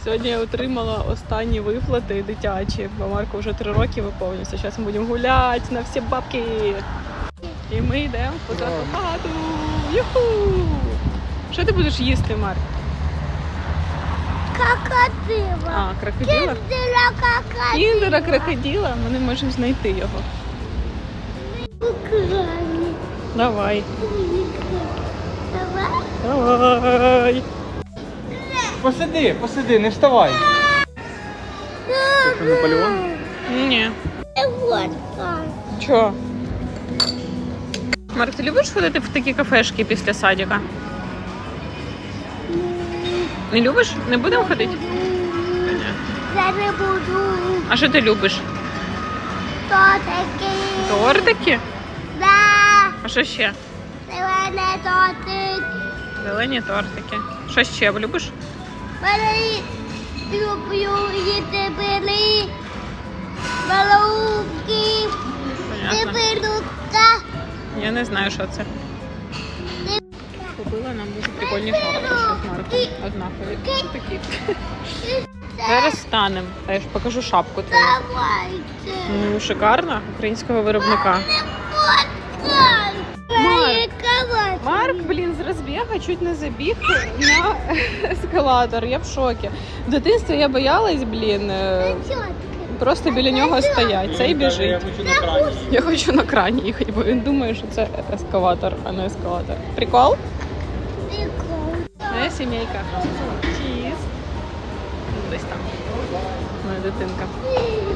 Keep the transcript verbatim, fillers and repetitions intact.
Сьогодні я отримала останні виплати дитячі, бо Марку вже три роки виповнюється. Зараз ми будемо гуляти на всі бабки. І ми йдемо позаду хату. Юху! Що ти будеш їсти, Марк? Крокодила. А, крокодила? Кіндера крокодила. Кіндера крокодила? Ми не можемо знайти його. Украли. Давай. Давай. Давай. Посиди, посиди, не вставай. Це Наполеон? Ні. Водка. Чого? Марк, ти любиш ходити в такі кафешки після садика? Не любиш? Не будемо ходити? Я не буду. А що ти любиш? Тортики. Тортики? Да. А що ще? Зелений тортик. Зелені тортики. Що ще любиш? Бери. Люблю їсти бери. Балунки. Понятно. Теперлука. Я не знаю, що це. Купила нам дуже прикольні шапки з Марком. Однакові. Такі. Зараз станемо. Я ж покажу шапку твою. Давайте. Ну, шикарна, українського виробника. Марк. Марк, блін, з розбігу чуть не забіг на ескалатор. Я в шокі. В дитинстві я боялась, блін, е, просто біля нього стоять. Цей біжить. Я хочу на крані. Я хочу на крані їхати, бо він думає, що це ескалатор, а не ескалатор. Прикол? Моя сімейка. Чіз. Десь там. Моя дитинка.